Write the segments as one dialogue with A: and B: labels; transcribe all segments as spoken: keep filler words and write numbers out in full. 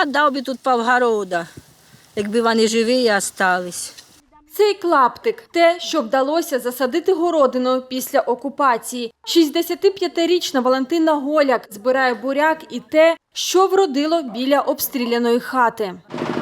A: клад дав би тут півгорода, якби вони живі і остались.
B: Цей клаптик – те, що вдалося засадити городиною після окупації. шістдесятип'ятирічна Валентина Голяк збирає буряк і те, що вродило біля обстріляної хати.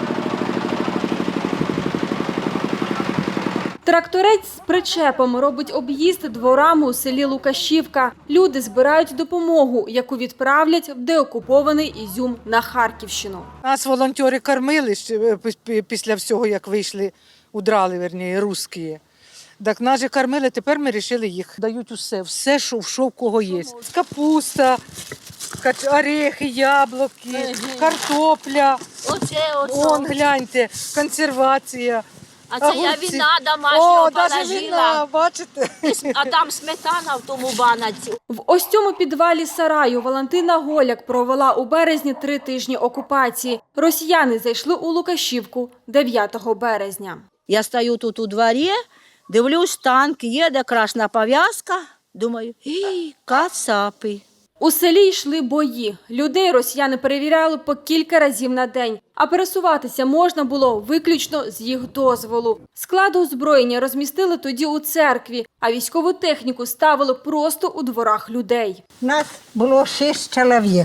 B: Тракторець з причепом робить об'їзд дворами у селі Лукашівка. Люди збирають допомогу, яку відправлять в деокупований Ізюм на Харківщину.
C: Нас волонтери кормили ще після всього, як вийшли, удрали, верні, русські. Так нас же кормили, тепер ми вирішили їх. Дають усе, все, що, що в кого є. Капуста, орехи, яблуки, картопля.
A: Оце, оце.
C: Вон, гляньте, консервація.
A: А це я
C: огурці.
A: віна домашнього
C: О, навіть віна,
A: положила.
C: бачите?
A: А там сметана в тому банаці.
B: В ось цьому підвалі сараю Валентина Голяк провела у березні три тижні окупації. Росіяни зайшли у Лукашівку дев'ятого березня.
A: Я стою тут у дворі, дивлюсь, танк, їде, красна пов'язка. Думаю, і кацапи.
B: У селі йшли бої. Людей росіяни перевіряли по кілька разів на день. А пересуватися можна було виключно з їх дозволу. Склад озброєння розмістили тоді у церкві, а військову техніку ставили просто у дворах людей.
D: Нас було шість чоловік.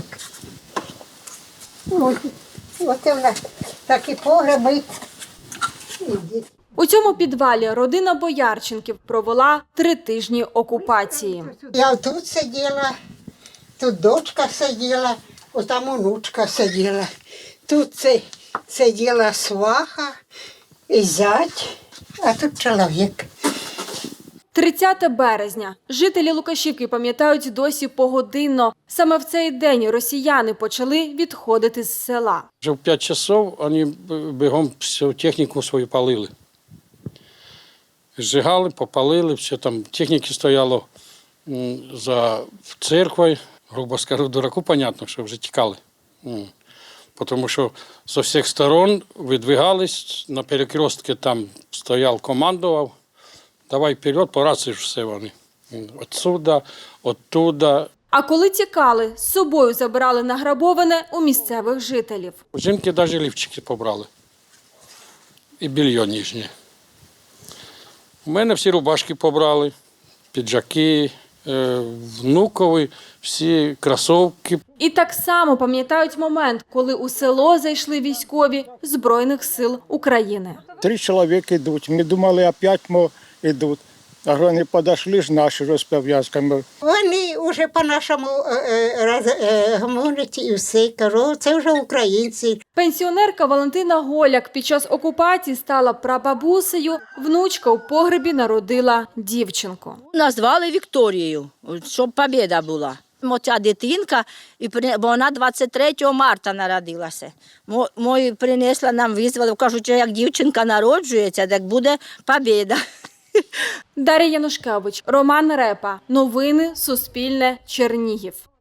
D: Ось, оце в нас такі погреби.
B: У цьому підвалі родина Боярченків провела три тижні окупації.
D: Я тут сиділа, тут дочка сиділа, отам онучка сиділа. Тут це сиділа сваха і зять, а тут чоловік.
B: тридцяте березня. Жителі Лукашівки пам'ятають досі погодинно. Саме в цей день росіяни почали відходити з села.
E: Вже в п'ять часов вони бігом всю техніку свою палили. Зжигали, попалили, все там техніки стояло за церквою. Грубо скажу, дураку, понятно, що вже тікали. Тому що з усіх сторон видвигались, на перекрестки там стояв, командував. Давай вперед, по рації ж все вони. Отсюда, оттуда.
B: А коли тікали, з собою забирали награбоване у місцевих жителів.
E: У жінки навіть лівчики побрали. І більйо ніжнє. У мене всі рубашки побрали, піджаки, внукові, всі кросівки.
B: І так само пам'ятають момент, коли у село зайшли військові Збройних сил України.
F: Три чоловіки йдуть. Ми думали, опять ми йдуть. А вони підійшли ж наші розпов'язками.
D: Вони вже по-нашому говорять і все. Кажу, це вже українці.
B: Пенсіонерка Валентина Голяк під час окупації стала прабабусею, внучка у погребі народила дівчинку.
A: Назвали Вікторією, щоб побєда була. Моя дитинка, бо вона двадцять третього марта народилася. Мою принесла, нам визвали, кажуть, як дівчинка народжується, так буде побєда.
B: Дар'я Янушкевич, Роман Репа. Новини Суспільне. Чернігів.